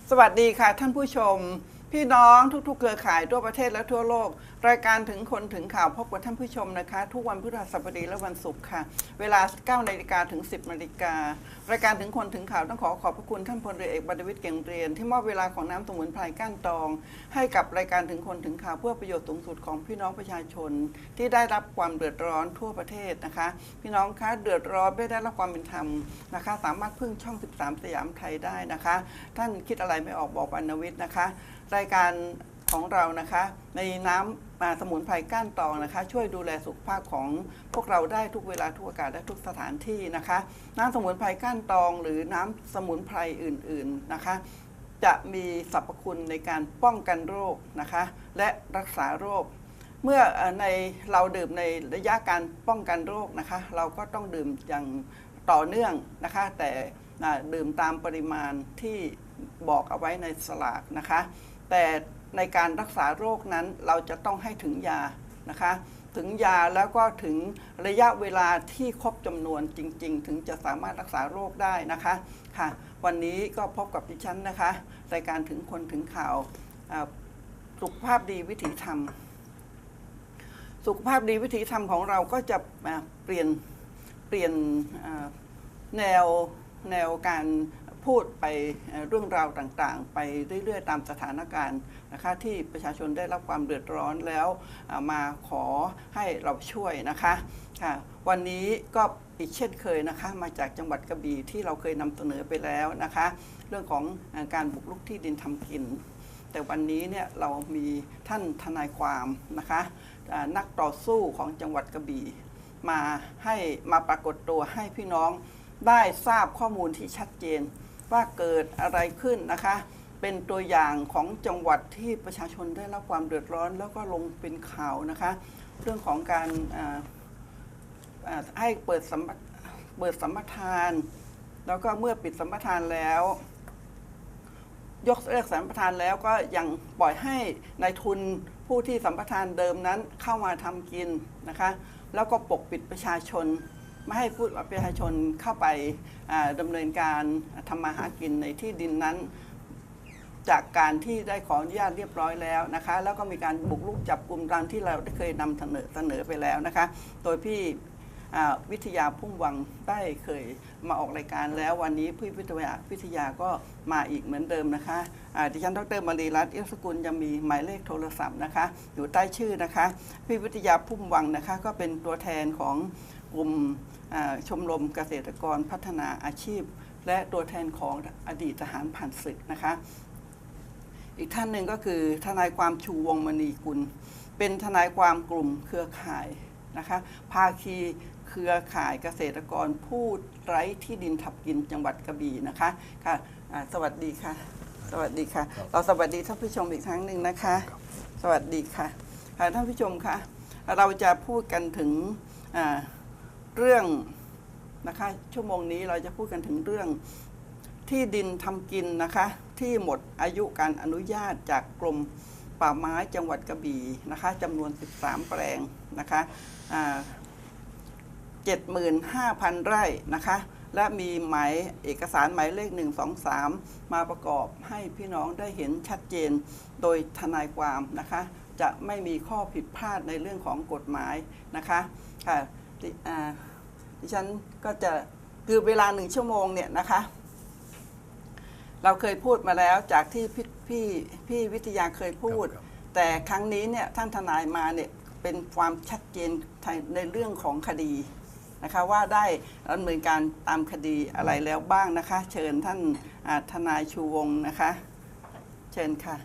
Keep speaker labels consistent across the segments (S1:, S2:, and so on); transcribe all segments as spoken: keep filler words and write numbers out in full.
S1: สวัสดีค่ะท่านผู้ชมพี่น้องทุกๆเครือข่ายทั่วประเทศและทั่วโลกรายการถึงคนถึงข่าวพบกับท่านผู้ชมนะคะทุกวันพฤหัสบดีและวันศุกร์ค่ะเวลา เก้านาฬิกา ถึง สิบนาฬิการายการถึงคนถึงข่าวต้องขอขอบพระคุณท่านพลเรือเอกบรรณวิทย์เก่งเรียนที่มอบเวลาของน้ำสมุนไพรก้านตองให้กับรายการถึงคนถึงข่าวเพื่อประโยชน์สูงสุดของพี่น้องประชาชนที่ได้รับความเดือดร้อนทั่วประเทศนะคะพี่น้องคะเดือดร้อนไม่ได้รับความเป็นธรรมนะคะสามารถพึ่งช่องสิบสามสยามไทยได้นะคะท่านคิดอะไรไม่ออกบอกบรรณวิทย์นะคะรายการของเรานะคะในน้ำสมุนไพรก้านตองนะคะช่วยดูแลสุขภาพของพวกเราได้ทุกเวลาทุกโอกาสและทุกสถานที่นะคะน้ำสมุนไพรก้านตองหรือน้ำสมุนไพรอื่นๆนะคะจะมีสรรพคุณในการป้องกันโรคนะคะและรักษาโรคเมื่อในเราดื่มในระยะการป้องกันโรคนะคะเราก็ต้องดื่มอย่างต่อเนื่องนะคะแต่ดื่มตามปริมาณที่บอกเอาไว้ในสลากนะคะแต่ในการรักษาโรคนั้นเราจะต้องให้ถึงยานะคะถึงยาแล้วก็ถึงระยะเวลาที่ครบจำนวนจริงๆถึงจะสามารถรักษาโรคได้นะคะค่ะวันนี้ก็พบกับดิฉันนะคะรายการถึงคนถึงข่าวสุขภาพดีวิถีธรรมสุขภาพดีวิถีธรรมของเราก็จะเปลี่ยนเปลี่ยนแนวแนวการพูดไปเรื่องราวต่างๆไปเรื่อยๆตามสถานการณ์นะคะที่ประชาชนได้รับความเดือดร้อนแล้วมาขอให้เราช่วยนะคะค่ะวันนี้ก็อีกเช่นเคยนะคะมาจากจังหวัดกระบี่ที่เราเคยนำเสนอไปแล้วนะคะเรื่องของการบุกรุกที่ดินทำกินแต่วันนี้เนี่ยเรามีท่านทนายความนะคะนักต่อสู้ของจังหวัดกระบี่มาให้มาปรากฏตัวให้พี่น้องได้ทราบข้อมูลที่ชัดเจนว่าเกิดอะไรขึ้นนะคะเป็นตัวอย่างของจังหวัดที่ประชาชนได้รับความเดือดร้อนแล้วก็ลงเป็นข่าวนะคะเรื่องของการให้เปิดสัมเปิดสัมปทานแล้วก็เมื่อปิดสัมปทานแล้วยกเลิกสัมปทานแล้วก็ยังปล่อยให้นายทุนผู้ที่สัมปทานเดิมนั้นเข้ามาทำกินนะคะแล้วก็ปกปิดประชาชนไม่ให้ผู้ประชาชนเข้าไปดำเนินการทำมาหากินในที่ดินนั้นจากการที่ได้ขออนุญาตเรียบร้อยแล้วนะคะแล้วก็มีการบุกรุกจับกลุ่มตามที่เราได้เคยนำเสนอเสนอไปแล้วนะคะโดยพี่วิทยาพุ่มวังได้เคยมาออกรายการแล้ววันนี้พี่วิทยาวิทยาก็มาอีกเหมือนเดิมนะคะดิฉันดร.มารีรัตน์ เอี้ยวสกุลยังมีหมายเลขโทรศัพท์นะคะอยู่ใต้ชื่อนะคะพี่วิทยาพุ่มวังนะคะก็เป็นตัวแทนของกลุ่มชมรมเกษตรกรพัฒนาอาชีพและตัวแทนของอดีตทหารผ่านศึกนะคะอีกท่านหนึ่งก็คือทนายความชูวงศ์มณีกุลเป็นทนายความกลุ่มเครือข่ายนะคะภาคีเครือข่ายเกษตรกรผู้ไร้ที่ดินทับกินจังหวัดกระบี่นะคะค่ะสวัสดีค่ะสวัสดีค่ะเราสวัสดีท่านผู้ชมอีกครั้งหนึ่งนะคะสวัสดีค่ะท่านผู้ชมคะเราจะพูดกันถึงเรื่องนะคะชั่วโมงนี้เราจะพูดกันถึงเรื่องที่ดินทำกินนะคะที่หมดอายุการอนุญาตจากกรมป่าไม้จังหวัดกระบี่นะคะจำนวนสิบสามแปลงนะคะเจ็ดหมื่นห้าพันไร่นะคะและมีหมายเอกสารหมายเลขหนึ่งสองสามมาประกอบให้พี่น้องได้เห็นชัดเจนโดยทนายความนะคะจะไม่มีข้อผิดพลาดในเรื่องของกฎหมายนะคะค่ะดิฉันก็จะคือเวลาหนึ่งชั่วโมงเนี่ยนะคะเราเคยพูดมาแล้วจากที่พี่พี่พี่วิทยาเคยพูดแต่ครั้งนี้เนี่ยท่านทนายมาเนี่ยเป็นความชัดเจนในเรื่องของคดีนะคะว่าได้ดำเนินการตามคดีอะไรแล้วบ้างนะคะเชิญท่านทนายชูวงศ์นะคะเชิญค่ะ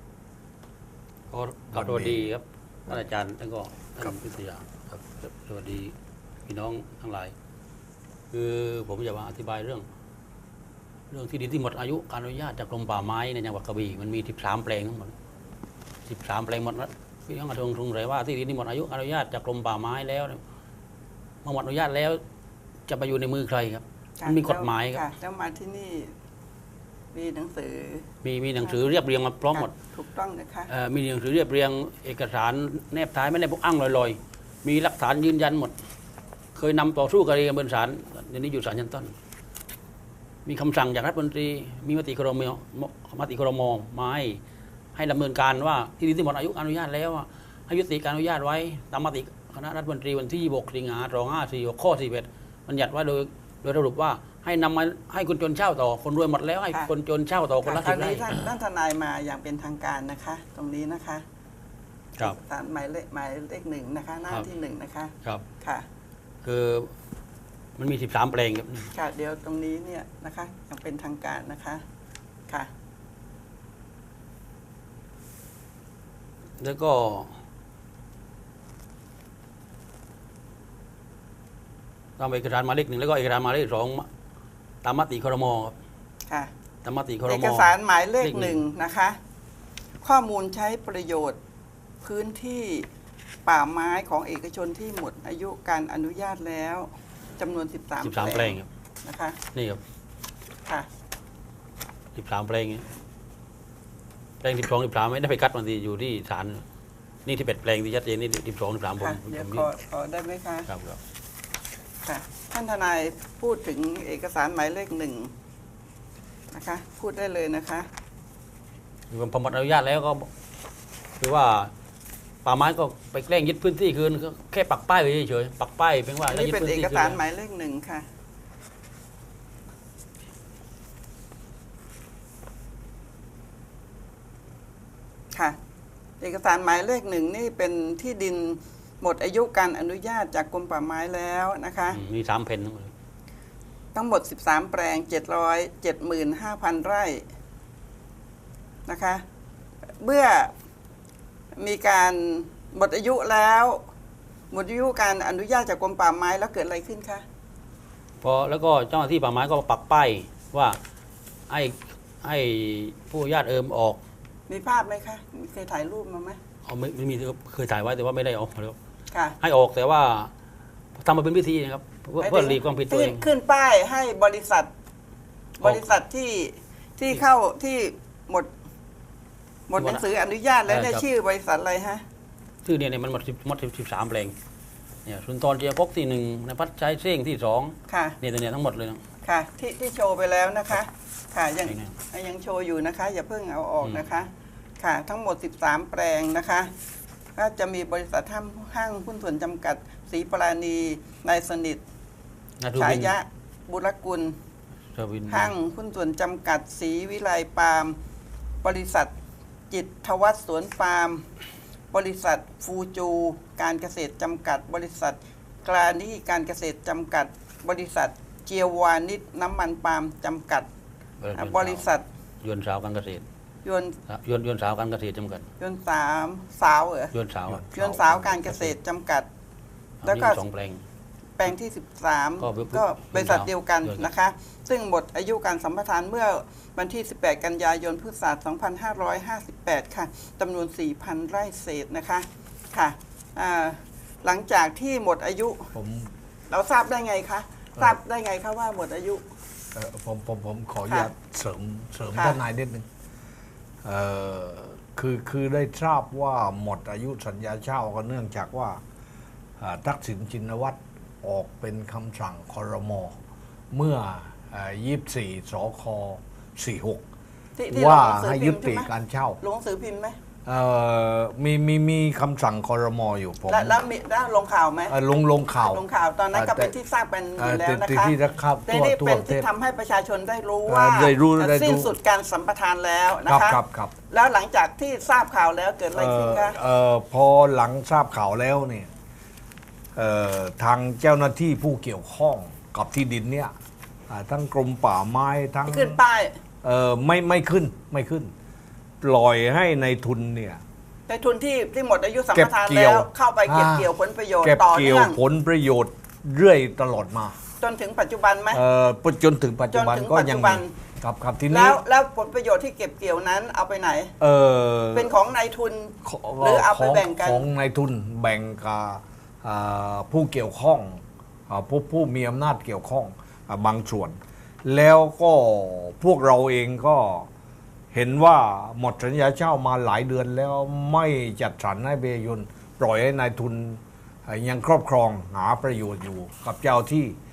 S2: ก็สวัสดีครับท่านอาจารย์แล้วก็ท่านวิทยาครับสวัสดีพี่น้องทั้งหลายคือผมจะมาอธิบายเรื่องเรื่องที่ดินที่หมดอายุการอนุญาตจากกรมป่าไม้ในจังหวัดกระบี่มันมีสิบสามแปลงทั้งหมดสิบสามแปลงหมดนะพี่น้องกระทรวงทุงเลยว่าที่ดินที่หมดอายุการอนุญาตจากกรมป่าไม้แล้วเมื่อหมดอนุญาตแล้วจะไปอยู่ในมือใครครับมันมีกฎหมายครับ
S1: แล้วมาที่นี่มีหนังสือ
S2: มีมีหนังสือเรียบเรียงมาพร้อมหมด
S1: ถูกต้องนะคะ
S2: มีหนังสือเรียบเรียงเอกสารแนบท้ายไม่ได้พวกอ้างลอยๆมีหลักฐานยืนยันหมดเคยนำต่อสู้คดีกันบนศาลเดี๋ยวนี้อยู่ศาลชั้นต้นมีคำสั่งจากรัฐมนตรีมีมติครมมติครมมาให้ให้ดำเนินการว่าที่ดินที่หมดอายุการอนุญาตแล้วให้ยุติการอนุญาตไว้ตามมติคณะรัฐมนตรีวันที่ยี่สิบหกสิงหาคมสองห้าสี่หกข้อสี่สิบเอ็ดบัญญัติว่าโดยโดยสรุปว่าให้นำมาให้คนจนเช่าต่อคนรวยหมดแล้วให้คนจนเช่าต่อคนละ
S1: ค
S2: สิ
S1: ราว
S2: บไร่
S1: นี้ท่านท่านทนายมาอย่างเป็นทางการนะคะ ตรงนี้นะคะ
S2: ครับ
S1: สารหมายเลขหมายเลขหนึ่งนะคะ หน้าที่หนึ่งนะคะ
S2: ครับ
S1: ค่ะ
S2: คือมันมีสิบสามแปลงครับ
S1: ค่ะเดี๋ยวตรงนี้เนี่ยนะคะอย่างเป็นทางการนะคะค่ะ
S2: แล้วก็ตามเอกสารหมายเลขหนึ่งแล้วก็เอกสารหมายเลขสองตามมติครมครับ
S1: ค่ะ
S2: ตามมติครม
S1: เอกสารหมายเลข
S2: เลขห
S1: ห
S2: นึ่
S1: นึ่
S2: ง
S1: งนะคะ ข้อมูลใช้ประโยชน์พื้นที่ป่าไม้ของเอกชนที่หมดอายุการอนุญาตแล้วจำนวน
S2: สิบ
S1: 13
S2: สาม
S1: แป
S2: แป
S1: ล
S2: ล
S1: ง
S2: งครับ
S1: นะคะ
S2: นี่ครับ
S1: ค่ะ
S2: สิบสามแปลงเนี่ยแปลงสิบสองสิบสามไม่ได้ไปคัดมันทีอยู่ที่ศาลนี่ที่เป็ดแปลงที่ชัดเจนนี่สิบสองสิบสามผม
S1: ค่ะ
S2: ผม
S1: เดี๋ยว
S2: ผม
S1: ข
S2: นี่
S1: อขอได้ไหมคะ
S2: ครับครับ
S1: ค่ะท่านทนายพูดถึงเอกสารหมายเลขหนึ่งนะคะ พูดได้เลยนะคะ
S2: พอหมดอนุญาตแล้วก็คือว่าป่าไม้ก็ไปแกล้งยึดพื้นที่คืนก็แค่ปักป้ายไว้เฉยๆปักป้ายเพียงว่า
S1: อัน
S2: ได้
S1: นี้
S2: ยึด
S1: เป็น
S2: พื้น
S1: เอ
S2: ที่
S1: ก
S2: คืน
S1: สาร
S2: แล้ว
S1: หมายเลขหนึ่งค่ะค่ะ เอกสารหมายเลขหนึ่งนี่เป็นที่ดินหมดอายุการอนุญาตจากกรมป่าไม้แล้วนะคะ
S2: อืมมีสามเพนทั้งหมด
S1: ทั้งหมด สิบสาม แปลง เจ็ดร้อยเจ็ดหมื่นห้าพัน ไร่นะคะเมื่อมีการหมดอายุแล้วหมดอายุการอนุญาตจากกรมป่าไม้แล้วเกิดอะไรขึ้นคะ
S2: พอแล้วก็เจ้าหน้าที่ป่าไม้ก็ปักป้ายว่าให้ให้ผู้ญาติเอิมออก
S1: มีภาพไหมคะมีเคยถ่ายรูปมาไหม
S2: เอาไม่ไม่มีเคยถ่ายไว้แต่ว่าไม่ได้เออกแล้ว
S1: ค่ะ
S2: ให้ออกแต่ว่าทำมาเป็นพิธีนะครับเพื่อเพื่อหลีกความผิดตัวเอง
S1: ขึ้นป้ายให้บริษัท
S2: ออก
S1: บริษัทที่ที่เข้าที่หมด หมดหนังสืออนุญาตแล้วเนี่ย
S2: เออครับ
S1: ชื่อบริษัทอะไรฮะ
S2: ชื่อเนี่ยเนี่ยมันหมดหมดสิบสามแปลงเนี่ยสุนทรเจียพกที่หนึ่งนภัสชัยเซ้งที่สอง
S1: ค่ะ
S2: เนี่ยตัวเนี่ยทั้งหมดเลยนะ
S1: ค่ะที่ที่โชว์ไปแล้วนะคะ ค่ะยัง
S2: ไหนเนี่ย
S1: ยังโชว์อยู่นะคะ อย่าเพิ่งเอาออก
S2: อืม
S1: นะคะ ค่ะ ทั้งหมด สิบสาม แปลงนะคะก็จะมีบริษัทห้างห้างหุ้นส่วนจำกัดศรีปราณีนายสนิท
S2: นาทู
S1: ฉา
S2: บิน
S1: ยะบุรกุล
S2: เทอร์วิน
S1: ห้างหุ้นส่วนจำกัดศรีวิไลปาล์มบริษัทจิตทวัฒน์สวนปาล์มบริษัทฟูจูการเกษตรจำกัด บริษัทกลานี่การเกษตรจำกัด บริษัทเจียววานิชน้ำมันปาล์มจำกัด บริษัท
S2: ยวนสาวการเกษตร
S1: ยนต์
S2: ยวนยวนสาวการเกษตรจำกัด
S1: ยนต์สามสาวเหรอย
S2: วนสาวอะ
S1: ยนต์สาวการเกษตรจำกัด แล้วก็
S2: อันนี้สองแปลง
S1: แปลงที่ สิบสาม
S2: ก็
S1: ก็บริษัทเดียวกัน
S2: ยนต์
S1: นะคะ ซึ่งหมดอายุการสัมปทานเมื่อวันที่ สิบแปด กันยายน พุทธศักราช สองพันห้าร้อยห้าสิบแปด ค่ะจำนวน สี่พัน ไร่เศษนะคะ ค่ะอ่าหลังจากที่หมดอายุ
S3: ผม
S1: เราทราบได้ไงคะ ทราบได้ไงคะว่าหมดอายุ
S3: เอ่อผมผมผมขออนุญาตเสริมเสริม
S1: ค่ะ
S3: ท่านนายนิดนึงเอ่อคือคือได้ทราบว่าหมดอายุสัญญาเช่าก็เนื่องจากว่าอ่าทักษิณชินวัตรออกเป็นคำสั่งครม เมื่อยี่สิบสี่สคสี่หก
S1: ที่ที่
S3: ว่า
S1: ลงนังสือ
S3: ให้
S1: พิ
S3: ยุ
S1: มพ์
S3: ติ
S1: ใช่ไหม
S3: การเช่า
S1: ลงหนังสือพิมพ์ไหม
S3: เอ่อมีมีมีคำสั่งครมอยู่ผม
S1: และแล้วมีแล้วลงข่าวไหม
S3: เอ่อลงลงข่าว
S1: ลงข่าวตอนนั้นก็
S3: แต่
S1: เป็นที่ทราบกันอ
S3: เอ่อยู่
S1: แล้วนะ
S3: ที่
S1: คะ
S3: ที่นะครับ
S1: แต่
S3: ทั่ว
S1: นี่
S3: ทั่ว
S1: เป็น
S3: ประเท
S1: ที่
S3: ศ
S1: ทำให้ประชาชนได้รู้
S3: เอ่อ
S1: ว่า
S3: ได้รู้ได้
S1: สิ้น
S3: รู้
S1: สุดการสัมปทานแล้วนะ
S3: ครับ
S1: คะ
S3: ครับครับ
S1: แล้วหลังจากที่ทราบข่าวแล้วเกิดอะไรขึ้นคะ
S3: เอ่อพอหลังทราบข่าวแล้วเนี่ยเอ่อทางเจ้าหน้าที่ผู้เกี่ยวข้องกับที่ดินเนี่ยอ่าทั้งกรมป่าไม้ทั้ง
S1: ขึ้นป้าย
S3: เอ่อไม่ไม่ขึ้นไม่ขึ้น ปล่อยให้ในทุนเนี่ย
S1: ในทุนที่ที่หมดอายุสัม
S3: เก็
S1: ป
S3: บ
S1: ทาน
S3: เกี่
S1: แล้
S3: ยว
S1: วเข้าไปเก็บ
S3: อ่า
S1: เกี่ยวผลประโยชน์
S3: เก็บ
S1: ต่อ
S3: เกี่ยว
S1: เนื่อง
S3: ผลประโยชน์เรื่อยตลอดมา
S1: จนถึงปัจจุบันไหม
S3: เอ่อจนถึงปัจจุบัน
S1: จนถึง
S3: ก็ยัง
S1: ปัจจุบั
S3: มี
S1: น
S3: ครับครับที
S1: แล้
S3: นี้
S1: วแล้วผลประโยชน์ที่เก็บเกี่ยวนั้นเอาไปไหน
S3: เออ
S1: เป็นของนายทุน
S3: ของ
S1: หรือเอาไป
S3: ของ
S1: แบ่งกัน
S3: ของนายทุนแบ่งกับอ่าผู้เกี่ยวข้องอ่าผู้ผู้มีอำนาจเกี่ยวข้องอ่าบางส่วน แล้วก็พวกเราเองก็เห็นว่าหมดสัญญาเช่ามาหลายเดือนแล้วไม่จัดสรรให้เบยุนปล่อยให้นายทุนอ่ายังครอบครองหาประโยชน์อยู่กับเจ้าที่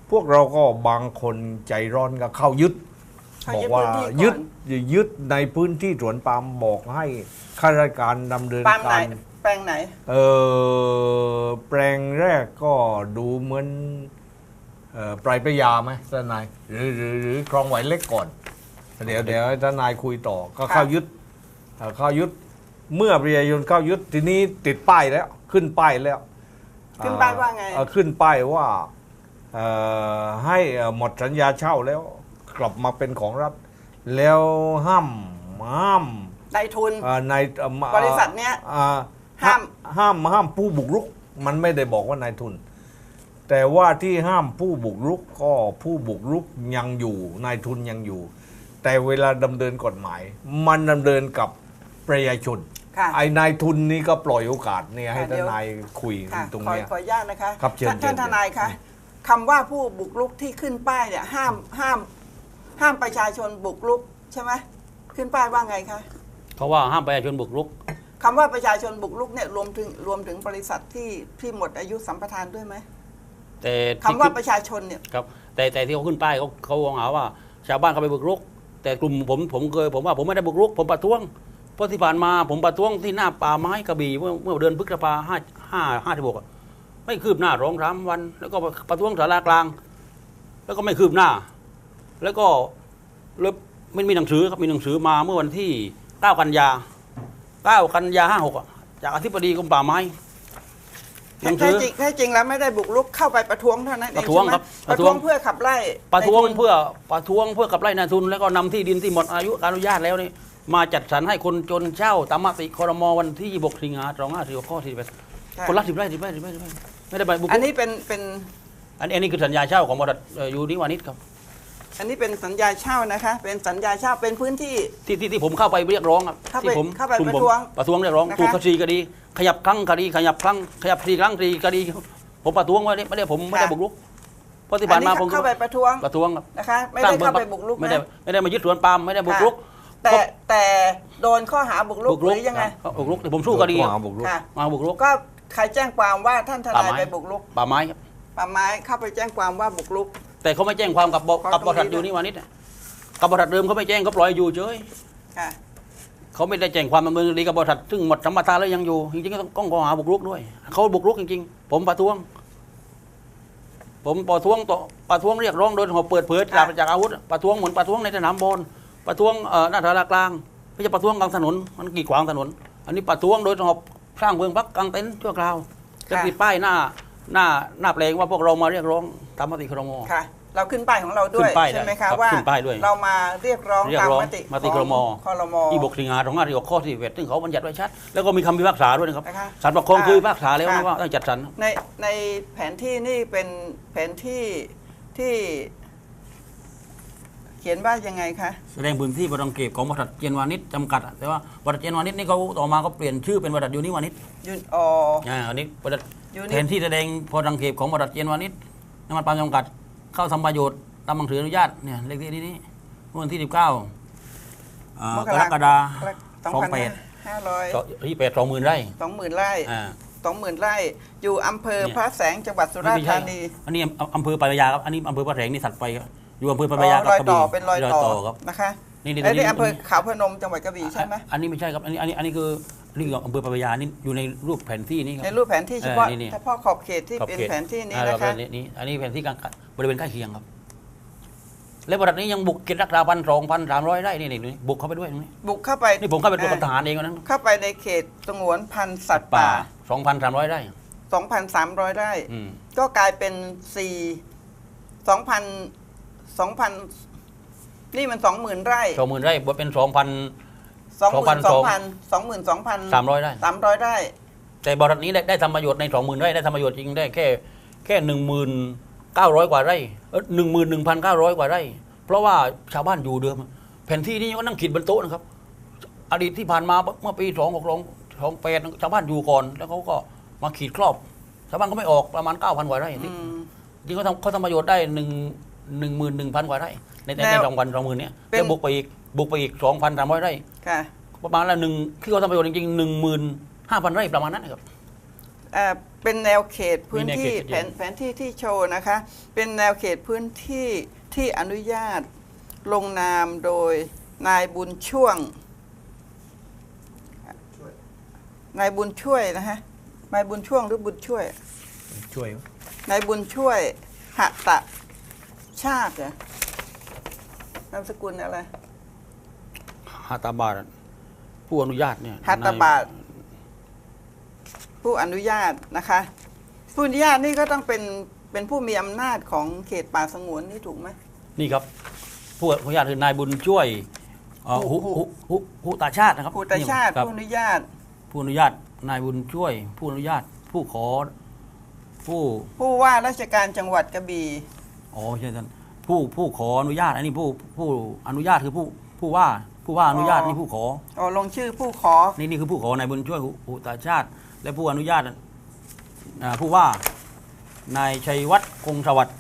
S3: พวกเราก็บางคนใจร้อนก็เข้ายึด
S1: เขา
S3: บอก
S1: ยึด
S3: ว่า
S1: พื้นที่ก่
S3: ยึ
S1: อ
S3: ด
S1: น
S3: ยึดในพื้นที่สวนปาล์มบอกให้ข้าราชการดำเนิน
S1: ปาล์มไหน
S3: การ
S1: แปลงไหน
S3: เออแปลงแรกก็ดูเหมือนเอ่อปลายพระยาไหมทนายหรือหรือหรือคลองไหวเล็กก่อน เดี๋ยวเดี๋ยวให้ทนายคุยต่อก็เข้ายึดเอ่อเข้ายึดเมื่อประชาชนเข้ายึดทีนี้ติดป้ายแล้วขึ้นป้ายแล้ว
S1: ขึ้นป้ายว่าไง
S3: เอ่อขึ้นป้ายว่าเอ่อให้เอ่อหมดสัญญาเช่าแล้วกลับมาเป็นของรัฐ แล้วห้ามห้าม
S1: นายทุน
S3: เอ่อในเอ่อมา
S1: บริษัทเนี้ย
S3: อ่า
S1: ห้าม
S3: ห้ามห้ามผู้บุกรุก มันไม่ได้บอกว่านายทุน แต่ว่าที่ห้ามผู้บุกรุกก็ผู้บุกรุกยังอยู่นายทุนยังอยู่ แต่เวลาดำเนินกฎหมาย มันดำเนินกับประชาชน
S1: ค่ะ
S3: ไอ้นายทุนนี่ก็ปล่อยโอกาสเนี่ยให้
S1: ค่ะ
S3: ท
S1: เดี๋ยว
S3: นายคุย
S1: ค่ะ
S3: ตรง
S1: ขอ
S3: เนี้ย
S1: ขออนุญาตนะคะ
S3: ครับเชิญ
S1: ท่าน
S3: เชิญ
S1: ท่านทนายคะคำว่าผู้บุกรุกที่ขึ้นป้ายเนี่ยห้ามห้ามห้ามประชาชนบุกรุกใช่ไหมขึ้นป้ายว่าไงคะ
S2: เขาว่าห้ามประชาชนบุกรุก
S1: คำว่าประชาชนบุกรุกเนี่ยรวมถึงรวมถึงบริษัทที่ที่หมดอายุสัมปทานด้วยไหม
S2: แต่
S1: คำ
S2: ที่
S1: ว่า
S2: ขึ้น
S1: ประชาชนเนี่ย
S2: ครับแต่แต่ที่เขาขึ้นป้ายเขาเขาหาว่า ชาวบ้านเขาไปบุกรุก แต่กลุ่มผมผมเคยผมว่าผมไม่ได้บุกรุก ผมประท้วงเพราะที่ผ่านมาผมประท้วงที่หน้าป่าไม้กระบี่เมื่อเมื่อเดือนพฤษภาห้าห้าห้าสิบหกไม่คืบหน้าร้องสามวัน แล้วก็ประท้วงสารากลาง แล้วก็ไม่คืบหน้า แล้วก็เลยไม่มีหนังสือครับมีหนังสือมาเมื่อวันที่เก้ากันยาเก้ากันยาห้าหกจากอธิบดีกรมป่าไม้หนัง
S1: แท้
S2: สือ
S1: จริงแท้จริงแล้วไม่ได้บุกรุกเข้าไปประท้วงเท่านั้นเอง
S2: ประท้วง
S1: ใช่ไหม
S2: ครับ
S1: ป
S2: ประ ระท้
S1: ท้ว
S2: ว
S1: ง
S2: ง
S1: เพื่อขับไล่
S2: ประท้วง
S1: ในทุน
S2: เพื่อประท้วงเพื่อกับไล่นายทุน แล้วก็นำที่ดินที่หมดอายุการอนุญาตแล้วนี่มาจัดสรรให้คนจนเช่าตามมติครมวันที่ยี่สิบหกสิงหาสองห้าสี่หกข้อที่สิบเอ็ด
S1: ค่ะ
S2: คนละสิบไร่สิบไร่สิบไร่สิบไร่ไม่ได้ไปบุกรุก
S1: อันนี้เป็นเป็น
S2: อันนี้อันนี้คือสัญญาเช่าของบริษัทเอ่อยูนิวานิชครับ
S1: อันนี้เป็นสัญญาเช่านะคะ เป็นสัญญาเช่าเป็นพื้นที่
S2: ที่ที่ที่ผมเข้าไปเรียกร้องครับ
S1: เข้าไป
S2: ที่ผม
S1: เข้าไป
S2: กลุ่ม
S1: ประ
S2: ผม
S1: ท้วง
S2: ประท้วงเรียกร้อง
S1: นะคะ
S2: ถูกคดีคดีขยับครั้งคดีขยับครั้งขยับทีครั้งทีคดีผมประท้วงไว้ไม่ได้ผมไม่ได้บุกรุกเพราะที่
S1: อั
S2: ผ่าน น
S1: นี้
S2: มาผม
S1: เข้าไปประท้วง
S2: ประท้วงครับ
S1: นะคะ ไม่ได้เข้าไปบุกรุก
S2: ไม่ได้
S1: นะ
S2: ไม่ได้มายึดสวนปาล์มไม่ได้บุกรุก
S1: แต่แต่โดนข้อหาบุกรุกหรือยังไง
S2: ครับบุกรุกแต่ผมสู้คดี
S3: ข้อหาบุกรุก
S1: ค่ะ
S2: มาบุกรุก
S1: ก็ใครแจ้งความว่าท่านทนาย
S2: ป่าไม้
S1: ไปบุกรุก
S2: ป่าไม้ครับ
S1: ป่าไม้เข้าไปแจ้งความว่าบุกรุก
S2: แต่เขาไม่แจ้งความกับบ
S1: ขอ
S2: กับบริษัท
S1: ตรงนี้
S2: ยูนิวานิชอะกับบริษัทเดิมเขาไม่แจ้งเขาปล่อยอยู่เฉย
S1: ค่ะ
S2: เขาไม่ได้แจ้งความดำเนินคดีกับบริษัทซึ่งหมดสัมปทานแล้วยังอยู่จริงๆก็ต้องต้องข้อหาบุกรุกด้วยเขาบุกรุกจริงๆ ผมประท้วง ผมประท้วงต่อประท้วงเรียกร้องโดยหอบเปิดเผยจากจากอาวุธประท้วงเหมือนประท้วงในสนามบอลประท้วงเอ่อหน้าสารากลางไม่ใช่ประท้วงกลางถนนมันกีดขวางถนน อันนี้ประท้วงโดยหอบสร้างเมืองพักกลางเต็นท์ชั่วคราวจะติดป้ายหน้าหน้าหน้าแปลงว่าพวกเรามาเรียกร้องตามมติครม
S1: ค่ะ เราขึ้นป้ายของเราด้วย
S2: ขึ้นป้าย
S1: ใช่ไหม
S2: ได้ครั
S1: คะ
S2: บ
S1: ว่า
S2: ขึ้นป้ายด้วย
S1: เรามาเรียกร้อง
S2: เรียก
S1: ตาม
S2: ร้อง
S1: มติ
S2: มติครม
S1: ครม
S2: ที่บกสิงหาสองห้าสี่หกข้อที่สิบเอ็ดซึ่งเขาบัญญัติไว้ชัดแล้วก็มีคำพิพากษาด้วยนะครับ
S1: นะคะ
S2: ศาลปกครองเคยพิพากษาแล้ว
S1: ค่ะ
S2: นะว่าต้องจัดสรร
S1: ในในแผนที่นี่เป็นแผนที่ที่ เขียนว่ายังไงคะ
S2: แสดงพื้นที่บริเก็บของบริษัทเจนวานิชจำกัดอะแต่ว่าบริษัทเจนวานิชนี่เขาต่อมาก็เปลี่ยนชื่อเป็นบริษัทยูนิวานิช
S1: ยุนอ
S2: อ่าอันนี้บริษัท
S1: ยูนิ
S2: แทนที่แสดงพอรังเก็บของบริษัทเจนวานิชน้ำมันปาล์มจำกัดเข้าทำประโยชน์ตามหนังสืออนุญาตเนี่ยเลขที่นี้เมื่อวันที่สิบเก้ากรกฎาคมสองแปด
S1: ห้าร้อย
S2: ที่แปดสองหมื่นไร่
S1: สองหมื่นไร่
S2: อ่า
S1: สองหมื่นไร่ อยู่อำเภอ
S2: เนี่ย
S1: พระแสงจังหวัดสุราษฎร์ธานี
S2: อันนี้อำอำเภอปลายยาครับอันนี้อำเภอพระแสงนี่สัตว์ไปครับอยู่อำเภอป
S1: อ๋
S2: ลายยา
S1: อ
S2: กับ
S1: รอย
S2: กระ
S1: ต่อ
S2: บี่
S1: เป็นรอยต่อ
S2: ครับ
S1: นะคะ
S2: นี่นี่
S1: ไอ้
S2: ตรง
S1: นี่
S2: นี้
S1: อำเภอขาวพนมจังหวัดกระบี่ใช่ไหม
S2: อันนี้ไม่ใช่ครับอันนี้อันนี้อันนี้คืออันนี้คืออำเภอปลายยานี่อยู่ในรูปแผนที่นี่ครั
S1: ใน
S2: บ
S1: รูปแผนที่เฉพาะ
S2: เออนี่นี่
S1: เฉพาะขอบเขตที่
S2: ขอบ
S1: เป็น
S2: ขต
S1: แผนที่นี้
S2: อ่า
S1: นะคะ
S2: นี่นี่อันนี้แผนที่กลางบริเวณใกล้เคียงครับ และบริษัทนี้ยังบุกเขตรักษาพันสองพันสามร้อยไร่นี่นี่นี่บุกเข้าไปด้วยตรงนี้
S1: บุกเข้าไป
S2: นี่ผมเข้าไปตรวจกับทหารเองวันนั้น
S1: เข้าไปในเขตสงวนพันธุ์สัตว์ป่า
S2: สองพันสามร้อยไร่
S1: สองพันสามร้อยไร่
S2: อืม
S1: ก็กลายเป็นสี่สองพันสองพันนี่มันสองหมื่นไร่
S2: สองหมื่นไร่บวกเป็นสองพัน
S1: สองหมื่นสองพัน
S2: ส
S1: ส
S2: อ
S1: อง งหมื่นสองพัน
S2: สามร้อยไร่
S1: สามร้อยไร่
S2: แต่บริษัทนี้ได้ได้ทำประโยชน์ในสองหมื่นไร่ได้ทำประโยชน์จริงได้แค่แค่หนึ่งหมื่นเก้าร้อยกว่าไร่เออหนึ่งหมื่นหนึ่งพันเก้าร้อยกว่าไร่ เพราะว่าชาวบ้านอยู่เดิม แผนที่นี้ก็นั่งขีดบนโต๊ะนะครับ อดีตที่ผ่านมาเมื่อปีสองหกสองสองแปดชาวบ้านอยู่ก่อน แล้วเขาก็มาขีดครอบ ชาวบ้านก็ไม่ออกประมาณเก้าพันกว่าไร่
S1: อืม
S2: จริงเขาทำเขาทำประโยชน์ได้หนึ่งหนึ่งหมื่นหนึ่งพันกว่าไร่ในใน
S1: แล้
S2: ใน
S1: ว
S2: สองวันสองหมื่นเนี้ย
S1: เป็น
S2: แล้วบุกไปอีกบุกไปอีกสองพันสามร้อยไร่
S1: ค่ะ
S2: ประมาณละหนึ่งที่เขาทำประโยชน์จริงๆหนึ่งหมื่นห้าพันไร่ประมาณนั้นนะครับ
S1: อ่าเป็นแนวเขตพื้นที่
S2: มีแนวเขตชัด
S1: แผ
S2: เจน
S1: นแผนที่ที่โชว์นะคะ เป็นแนวเขตพื้นที่ที่อนุญาตลงนามโดยนายบุญช่วงนายบุญช่วยนะฮะนายบุญช่วงหรือบุญช่วย
S3: ช่วย
S1: นายบุญช่วยหตะชาติเหรอนามสกุลอะไร
S2: ฮาตาบาตผู้อนุญาตเนี่ย
S1: หัตถบาท
S2: ใน
S1: ผู้อนุญาตนะคะ ผู้อนุญาตนี่ก็ต้องเป็นเป็นผู้มีอำนาจของเขตป่าสงวนนี่ถูกไหม
S2: นี่ครับผู้อนุญาตคือนายบุญช่วยเอ่อ
S1: หุ
S2: หุ
S1: หุ
S2: หุหุหุตาชาตินะครับ
S1: ผู้ตาชาติ
S2: ครับ
S1: ผู้อนุญาต
S2: ผู้อนุญาตนายบุญช่วย ผู้อนุญาตผู้ขอผู้
S1: ผู้ว่าราชการจังหวัดกระบี่
S2: อ๋อใช่ท่านผู้ผู้ขออนุญาตอันนี้ผู้ผู้อนุญาตคือผู้ผู้ว่าผู้ว่าอนุญาตนี่ผู้ขอ
S1: อ๋อลงชื่อผู้ขอ
S2: นี่นี่คือผู้ขอนายบุญช่วยหุหุตาชาติ และผู้อนุญาตอ่าผู้ว่านายชัยวัฒน์คงสวัสดิ์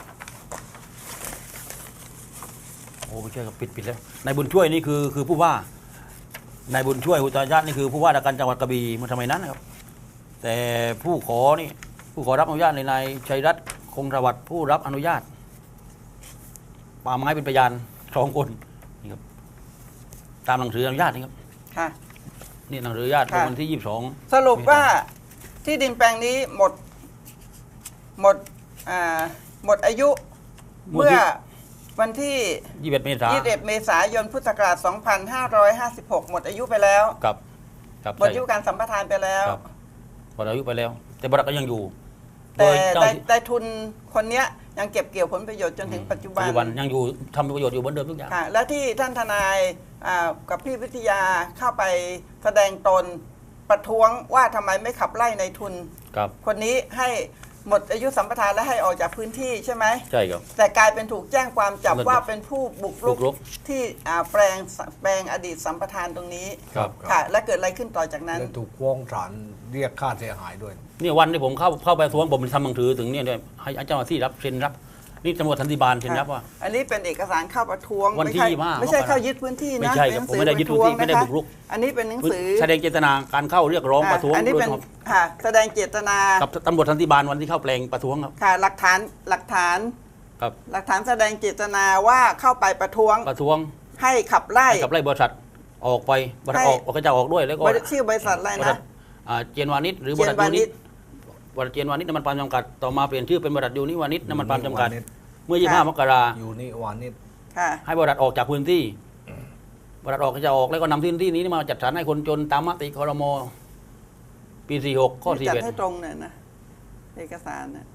S2: โอ้ไม่ใช่ครับปิดปิดแล้วนายบุญช่วยนี่คือคือผู้ว่านายบุญช่วยหุตาชาตินี่คือผู้ว่าราชการจังหวัดกระบี่เมื่อสมัยนั้นนะครับ แต่ผู้ขอนี่ผู้ขอรับอนุญาตในนายชัยรัตน์คงสวัสดิ์ผู้รับอนุญาตป่าไม้เป็นพยานสองคนนี่ครับตามหนังสืออนุญาตนี่ครับ
S1: ค่ะ
S2: นี่หนังสืออนุญาต
S1: ค่ะ
S2: วันที่ยี่สิบสอง
S1: สรุปว่าที่ดินแปลงนี้หมดหมดอ่าหมดอายุเมื่อวันที่
S2: ยี่สิบเอ็ดเมษายน
S1: ยี่สิบเอ็ดเมษายนพุทธศักราชสองพันห้าร้อยห้าสิบหก หมดอายุไปแล้ว
S2: กับกับ
S1: หมดอายุการสัมปทานไปแล้ว
S2: ครับหมดอายุไปแล้ว แต่บริษัทก็ยังอยู่ โด
S1: แต่
S2: ยเจ้า
S1: ได้ได้ทุนคนเนี้ยยังเก็บเกี่ยวผลประโยชน์จนถึงปัจจุบั
S2: ปัจ
S1: น
S2: จุบันยังอยู่ทำประโยชน์อยู่เหมือนเดิมทุกอย่าง
S1: ค่ะและที่ท่านทนายอ่ากับพี่วิทยาเข้าไปแสดงตนประท้วงว่าทำไมไม่ขับไล่ในทุน
S2: ครับ
S1: คนนี้ให้หมดอายุสัมปทานและให้ออกจากพื้นที่ใช่ไหม
S2: ใช่ครับ
S1: แต่กลายเป็นถูกแจ้งความจับ
S2: มัน
S1: ว่าเป็นผู้บุกรุ
S2: บุกรุ
S1: ก
S2: ก
S1: ที่อ่าแปลงแปลงอดีตสัมปทานตรงนี้
S2: ครับ
S1: ค่ะ และเกิดอะไรขึ้นต่อจากนั้น
S3: และถูกฟ้องศาลเรียกค่าเสียหายด้วย
S2: เนี่ยวันที่ผมเข้าเข้าไปท้วงผมทำหนังสือถึงเนี่ยด้วยให้เจ้าหน้าที่รับเซ็นรับ นี่ตำรวจทันติบาลเซ็นรับว่า
S1: อันนี้เป็นเอกสารเข้าประท้วง
S2: วันที่
S1: ไม่ใช่
S2: ยี่สิบห้า
S1: ไม่ใช่
S2: มกรา
S1: เข้ายึดพื้นที่นะ
S2: ไม่ใช่ครับ
S1: เป็นหนัง
S2: ผม
S1: สือ
S2: ไม่ได้ยึดพื้นที่
S1: ประท้วง
S2: ไม่ได้
S1: ะคะ
S2: บุกรุก
S1: อันนี้เป็นหนังสือ
S2: แสดงเจตนาการเข้าเรียกร้องประท้วง
S1: อันนี้
S2: โดย
S1: เป็น
S2: ครับ
S1: ค่ะแสดงเจตนา
S2: กับตำรวจทันติบาลวันที่เข้าแปลงประท้วงครับ
S1: ค่ะหลักฐานหลักฐาน
S2: ครับ
S1: หลักฐานแสดงเจตนาว่าเข้าไปประท้วง
S2: ประท้วง
S1: ให้ขับไล่
S2: ให้กับไล่บริษัทออกไปบริษัท
S1: ให้
S2: ออกออกก็จะออกด้วยแล้วก็
S1: บริชื่อบริษัทอะไร
S2: บริษั
S1: นะ
S2: ทอ่าเจนวานิชหรือบริษัท
S1: เจนวา
S2: ยู
S1: นิ
S2: นิ
S1: ช
S2: ตบริษัทเจนวานิชน้ำมันปาล์มจำกัดต่อมาเปลี่ยนชื่อเป็นบริษัทยูนิวานิชน้ำมันปาล์มจำกัด
S3: ยูนิวานิช
S2: เมื่อยี่สิบห้ามกรา
S3: อยู่นี่วานิช
S1: ค่ะ
S2: ให้บริษัทออกจากพื้นที่บริษัทออกก็จะออกแล้วก็นำพื้นที่นี้มาจัดสรรให้คนจนตามมติครมปีสี่หกข้อสี่
S1: จัด
S2: เอ็ด
S1: ให้ตรงหน่อยนะเอกสารนะ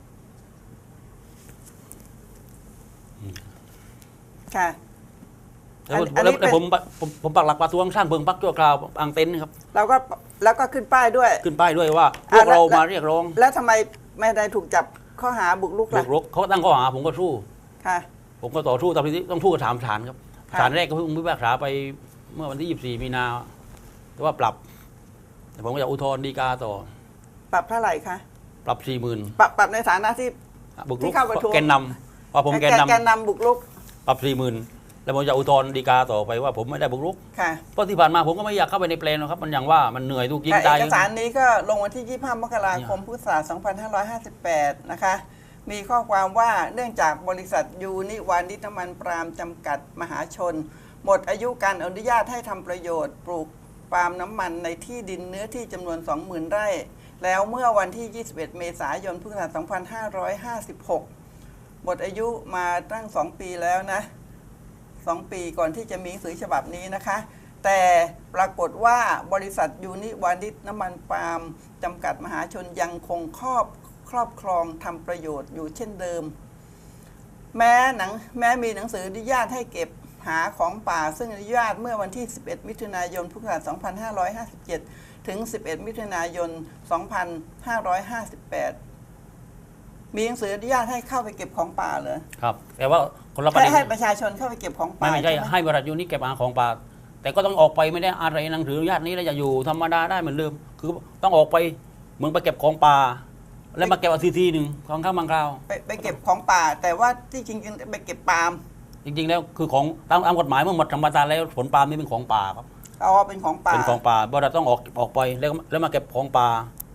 S1: ค่ะ
S2: แล้ว
S1: อัน
S2: แล้ว
S1: นี้
S2: แล้ว
S1: เป็น
S2: ผมผมผมปักหลักประท้วงสร้างเพิงพักชั่วคราวอ่างเต็นท์ครับ
S1: เราก็แล้วก็ขึ้นป้ายด้วย
S2: ขึ้นป้ายด้วยว่าพวก
S1: อ่ะแล้ว
S2: เรา
S1: แล้ว
S2: มาเรียกร้อง
S1: แล้วทำไมไม่ได้ถูกจับข้อหาบุกรุก
S2: บุ
S1: ล่ะ
S2: กรุกเขาตั้งข้อหาผมก็สู้
S1: ค่ะ
S2: ผมก็ต่อสู้ตามที่ต้องสู้กับถามศาลครับ
S1: ค่ะ
S2: ศาลแรกก็เพิ่งพิพากษาไปเมื่อวันที่ยี่สิบสี่มีนาแต่ว่าปรับ แต่ผมก็จะอุทธรณ์ฎีกาต่อ
S1: ปรับเท่าไหร่คะ
S2: ปรับสี่หมื่น
S1: ปรับปรับในฐานะที่
S2: บุกรุ
S1: ที่
S2: ก
S1: เข้าประท้วง
S2: แกนนำว่าผมแกนน
S1: แกนนำบุกรุก
S2: ำปรับสี่หมื่นแล้วผมจะอุทธรณ์ฎีกาต่อไปว่าผมไม่ได้บุกรุก
S1: ค่ะ
S2: เพราะที่ผ่านมาผมก็ไม่อยากเข้าไปในแปลนหรอกครับมันอย่างว่ามันเหนื่อยทุกยิง
S1: แต่
S2: ตาย
S1: เอกสารนี้ก็ลงวันที่ ยี่สิบห้ามกราคมพุทธศักราชสองพันห้าร้อยห้าสิบแปด นะคะ มีข้อความว่าเนื่องจากบริษัทยูนิวานิชน้ำมันปาล์มจำกัดมหาชน หมดอายุการอนุญาตให้ทำประโยชน์ปลูกปาล์มน้ำมันในที่ดินเนื้อที่จำนวน สองหมื่น ไร่ แล้วเมื่อวันที่ ยี่สิบเอ็ด เมษายน พุทธศักราช สองพันห้าร้อยห้าสิบหก หมดอายุมาตั้ง สอง ปีแล้วนะ สอง ปีก่อนที่จะมีหนังสือฉบับนี้นะคะ แต่ปรากฏว่าบริษัทยูนิวานิชน้ำมันปาล์มจำกัดมหาชนยังคงครอบครอบครองทำประโยชน์อยู่เช่นเดิม แม้หนังแม้มีหนังสืออนุญาตให้เก็บหาของป่าซึ่งอนุญาตเมื่อวันที่ สิบเอ็ด มิถุนายน พุทธศักราช สองพันห้าร้อยห้าสิบเจ็ด ถึง สิบเอ็ด มิถุนายน สองพันห้าร้อยห้าสิบแปด มีหนังสืออนุญาตให้เข้าไปเก็บของป่าเลย
S2: ครับ แต่ว่าคนละประ
S1: ให้
S2: เด็น
S1: ให้ประชาชนเข้าไปเก็บของป่า
S2: ไม่ไม่ใช่
S1: ใช่ไหม
S2: ให้บริษัทยูนิเก็บอาของป่าแต่ก็ต้องออกไปไม่ได้อะไรหนังสืออนุญาตนี้แล้วจะอยู่ธรรมดาได้เหมือนเดิมคือต้องออกไปเหมือนไปเก็บของป่า แล้วมาเก็บเอาทีทีหนึ่งของข้างบางคราว
S1: ไปไปเก็บของป่า แต่ว่าที่จริงๆไปเก็บปาล์ม
S2: จริงๆแล้วคือของตามตามกฎหมายเมื่อหมดธรรมดาแล้วผลปาล์มนี่เป็นของป่าครับ
S1: เอาเป็นของป่า
S2: เป็นของป่าบริษัทต้องออกออกไปแล้วแล้วมาเก็บของป่า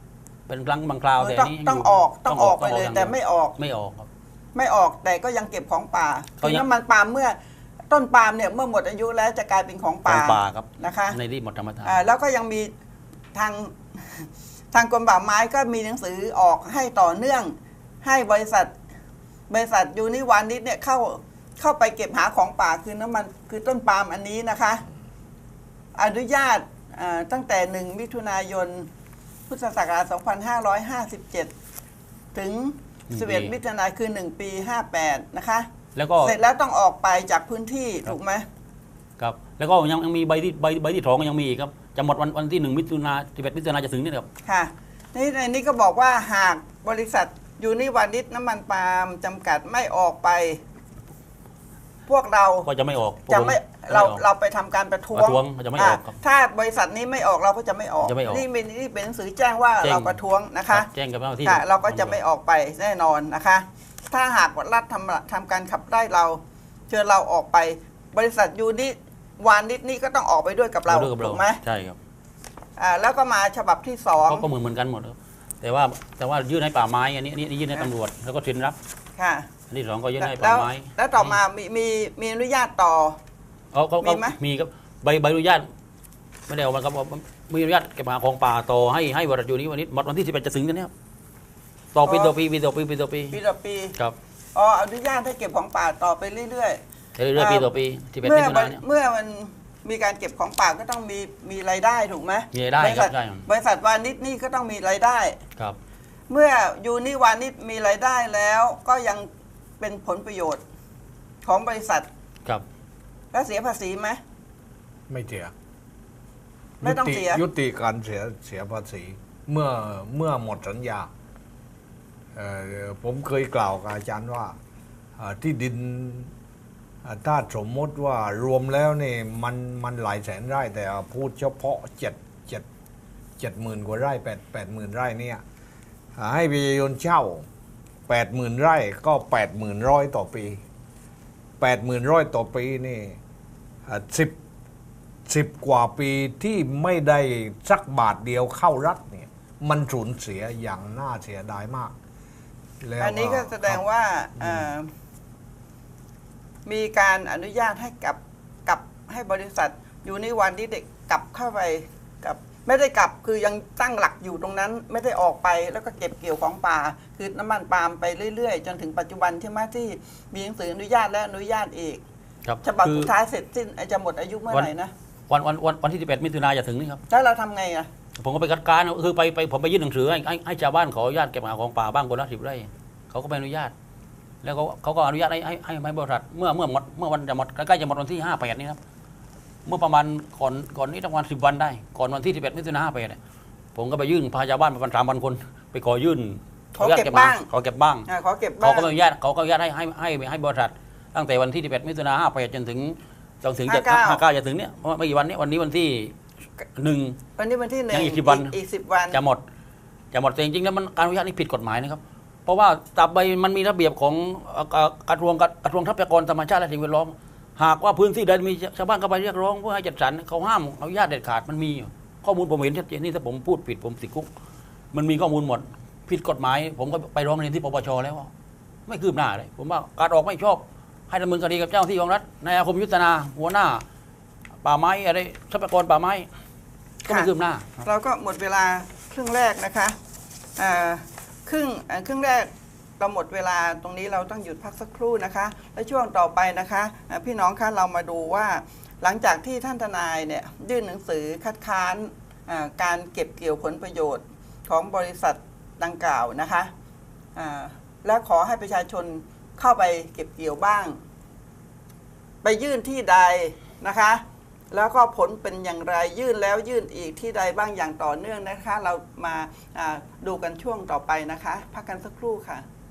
S2: เป็นครั้งบางคราวแต่
S1: ต้อง
S2: นี้
S1: ต้องออกต้องออกไปเลย
S2: าง
S1: แต่ไม่ออก
S2: ไม่ออกครับ
S1: ไม่ออกแต่ก็ยังเก็บของป่า
S2: ก็
S1: คือ
S2: ยัง
S1: น้ำมันปาล์มเมื่อต้นปาล์มเนี่ยเมื่อหมดอายุแล้วจะกลายเป็นของ
S2: ขอ
S1: ป่า
S2: งป่าครับ
S1: นะคะ
S2: ในที่หมดธรรมชาติ
S1: อ่าแล้วก็ยังมีทาง ทางกรมป่าไม้ก็มีหนังสือออกให้ต่อเนื่อง ให้บริษัทบริษัทยูนิวานิชเนี่ยเข้าเข้าไปเก็บหาของป่าคือน้ำมันคือต้นปาล์มอันนี้นะคะ อนุญาตอ่าตั้งแต่หนึ่งมิถุนายนพุทธศักราชสองพันห้าร้อยห้าสิบเจ็ด ถึงสิบเอ็ดมิถุนายนคือหนึ่งปีห้าแปดนะคะ
S2: แล้วก็
S1: เสร็จแล้วต้องออกไปจากพื้นที่ถูกไหม
S2: ครับแล้วก็ยังยังมีใบที่ใบใบที่สองยังมีอีกครับจะหมดวันวันที่หนึ่งมิถุนาสิบเอ็ดมิถุนาจะถึงนี่ครับ
S1: ค่ะนี่ในนี้ก็บอกว่าหากบริษัทยูนิวานิชน้ำมันปาล์มจำกัดไม่ออกไป พวกเรา
S2: ก็จะไม่ออก
S1: จะไม่
S2: ผม
S1: เรา
S2: ไม่ออก
S1: เราไปทำการประท้ว
S2: ป
S1: ง
S2: ระท้วงจะไม่ออกครับ
S1: อ่าถ้าบริษัทนี้ไม่ออกเราก็จะไม่ออก
S2: จะไม่ออก
S1: นี่เป็นนี่เป็นหนังสือแจ้งว่า
S2: แจ้ง
S1: เราประท้วงนะ
S2: ครั
S1: คะ
S2: บแจ้งกับเจ้าหน้าที่
S1: ค่ะเราก็จะไม่ออกไปแน่นอนนะคะ ถ้าหากรัฐทำทำการขับไล่เรา เชิญเราออกไป บริษัทยูนิวานิชนี่ก็ต้องออกไปด้วยกับเรา
S2: ด้วยกับเรา
S1: ถูกไหม
S2: ใช่ครับ
S1: อ่าแล้วก็มาฉบับที่สอง
S2: เขาก็เหมือนเหมือนกันหมดครับแต่ว่าแต่ว่ายื่นให้ป่าไม้อันนี้อันนี้ยื่นให้ตำรวจแล้วก็เซ็นรับ
S1: ค่ะ
S2: อันที่สองก็ยื่นให้
S1: แล้
S2: ป่าว ไม้
S1: แล้วต่อมามีมีมีอนุญาตต่อ
S2: เขาเขา
S1: มี
S2: เขา
S1: ไหม
S2: มีครับใบใบอนุญาตไม่ได้เอามาครับว่ามีอนุญาตเก็บหาของป่าต่อให้ให้บริษัทยูนิวันนี้หมดวันที่สิบเอ็ดจะถึงกันเนี่ยครับต่อปีต่อปีปีต่อปีปีต่อปี
S1: ปีต่อปี
S2: ครับ
S1: อ๋ออนุญาตให้เก็บของป่าต่อไปเรื่อย
S2: เรื่อยๆปีต่อปีสิบ
S1: ๆ
S2: เอ็ด
S1: เมื่
S2: มิ
S1: อ
S2: ถุนายนเนี่ย
S1: เมื่อมันมีการเก็บของป่าก็ต้องมีมีรายได้ถูกไหม
S2: มีรายได้
S1: บริษัท
S2: ครับใช่ครับ
S1: บริษัทวานิชนี่ก็ต้องมีรายได้
S2: ครับ
S1: เมื่อยูนิวานิชมีรายได้แล้วก็ยังเป็นผลประโยชน์ของบริษัท
S2: ครับ
S1: แล้วเสียภาษีไหม
S3: ไม่เสีย
S1: ไม่ต้องเสีย
S3: ยุติการเสียเสียภาษี เมื่อเมื่อหมดสัญญาเอ่อผมเคยกล่าวกับอาจารย์ว่าเอ่อที่ดินเอ่อถ้าสมมติว่ารวมแล้วนี่มันมันหลายแสนไร่ แต่พูดเฉพาะเจ็ดเจ็ดเจ็ดหมื่นกว่าไร่แปดแปดหมื่นไร่เนี่ยอ่าให้ประชาชนเช่าแปดหมื่นไร่ก็แปดหมื่นร้อยต่อปีแปดหมื่นร้อยต่อปีนี่สิบสิบกว่าปีที่ไม่ได้สักบาทเดียวเข้ารัฐเนี่ยมันสูญเสียอย่างน่าเสียดายมากแล้ว
S1: อันนี้ก็แสดงว่าเอ่อมีการอนุญาตให้กับกับให้บริษัทยูนิวันที่เด็กกลับเข้าไปกับไม่ได้กลับคือยังตั้งหลักอยู่ตรงนั้น ไม่ได้ออกไปแล้วก็เก็บเกี่ยวของป่า คือน้ำมันปาล์มไปเรื่อยๆ จนถึงปัจจุบันที่มาที่มีหนังสืออนุญาตและอนุญาตอีก
S2: ครับ
S1: ฉบับ
S2: คือ
S1: สุดท้ายเสร็จสิ้นจะหมดอายุเมื่อไหร่นะ
S2: วันวันวันวันที่สิบเอ็ดมิถุนายนจะถึงนี่ครับ
S1: แล้วเราทำไงอ่ะ
S2: ผมก็ไปคัดค้านคือไปไปผมไปยื่นหนังสือให้ให้ให้ชาวบ้านขออนุญาตเก็บหาของป่าบ้างคนละสิบไร่เขาก็ไม่อนุญาต แล้วเขาเขาก็อนุญาตให้ให้ให้ให้บริษัทเมื่อเมื่อหมดเมื่อวันจะหมดใกล้ๆจะหมดวันที่ห้าแปดนี้ครับเมื่อประมาณก่อนก่อนนี้ประมาณสิบวันได้ก่อนวันที่สิบเอ็ดมิถุนายนห้าแปดเนี่ยผมก็ไปยื่นพาชาวบ้านประมาณสามพันคนไปขอยื่น
S1: ขอเก็บบ้าง
S2: ขอเก็บบ้าง
S1: อ่ะขอเก็บบ้า
S2: เขา
S1: ง
S2: ก็ไม่อนุญาตเขาก็อนุญาตให้ให้ให้ให้บริษัทตั้งแต่วันที่สิบเอ็ดมิถุนายนห้าแปดจนถึงจนถึงจะห้าเก้าจะถึงเนี่ยเพราะไม่กี่วันนี้วันนี้วันที่หนึ่ง
S1: วันนี้วันที่หนึ่ง
S2: ยังอีกสิบวัน
S1: อีกสิบวัน
S2: จะหมดจะหมดแต่จริงๆแล้วมันการอนุญาตนี่ผิดกฎหมายนะครับ เพราะว่าตราบใดมันมีระเบียบของเอ่อเอ่อกระทรวงกระทรวงทรัพยากรธรรมชาติและสิ่งแวดล้อมหากว่าพื้นที่ใดมีชาวบ้านเข้าไปเรียกร้องเพื่อให้จัดสรรเขาห้ามอนุญาตเด็ดขาดมันมีอยู่ข้อมูลผมเห็นชัดเจนนี่ถ้าผมพูดผิดผมติดคุกมันมีข้อมูลหมดผิดกฎหมาย ผมก็ไปร้องเรียนที่ปปชแล้วว่าไม่คืบหน้าเลยผมว่าการออกไม่ชอบให้ดำเนินคดีกับเจ้าหน้าที่ของรัฐนายอาคมยุทธนาหัวหน้า ป่าไม้อะไรทรัพยากรป่าไม้ก็ไม่คืบหน้า
S1: เราก็หมดเวลาครึ่งแรกนะคะอ่าครึ่งอ่าครึ่งแรกเราหมดเวลาตรงนี้เราต้องหยุดพักสักครู่นะคะ และช่วงต่อไปนะคะอ่าพี่น้องคะเรามาดูว่าหลังจากที่ท่านทนายเนี่ยยื่นหนังสือคัดค้านอ่าการเก็บเกี่ยวผลประโยชน์ของบริษัทดังกล่าวนะคะอ่าและขอให้ประชาชนเข้าไปเก็บเกี่ยวบ้าง ไปยื่นที่ใดนะคะแล้วก็ผลเป็นอย่างไรยื่นแล้วยื่นอีกที่ใดบ้างอย่างต่อเนื่องนะคะ เรามาดูกันช่วงต่อไปนะคะพักกันสักครู่ค่ะ